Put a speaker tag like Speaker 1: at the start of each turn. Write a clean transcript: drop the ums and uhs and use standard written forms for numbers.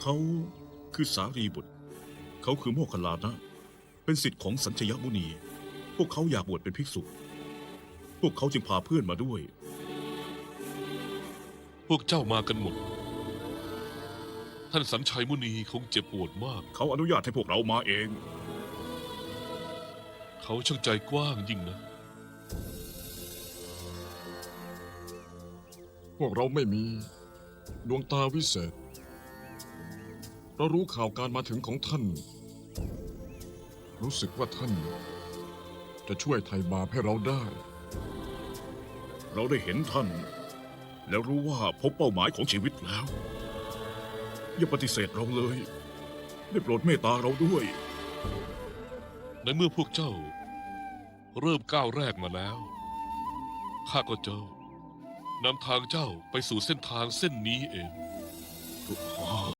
Speaker 1: เขาคือสารีบุตรเขาคือโมคคัลลานะเป็นศิษย์ของสัญชยมุนี พวกเขาอยากบวชเป็นภิกษุ พวกเขาจึงพาเพื่อนมาด้วย
Speaker 2: พวกเจ้ามากันหมด ท่านสัญชัยมุนีคงเจ็บปวดมาก
Speaker 1: เขาอนุญาตให้พวกเรามาเอง
Speaker 2: เขาช่างใจกว้างยิ่งนะ
Speaker 3: พวกเราไม่มีดวงตาวิเศษ เรารู้ข่าวการมาถึงของท่าน รู้สึกว่าท่านจะช่วยไถ่บาปให้เราได้
Speaker 1: เราได้เห็นท่าน แล้วรู้ว่าพบเป้าหมายของชีวิตแล้ว อย่าปฏิเสธเราเลย ได้โปรดเมตตาเราด้วย
Speaker 2: ในเมื่อพวกเจ้า เริ่มก้าวแรกมาแล้ว ข้าก็เจ้านำทางเจ้าไปสู่เส้นทางเส้นนี้เอง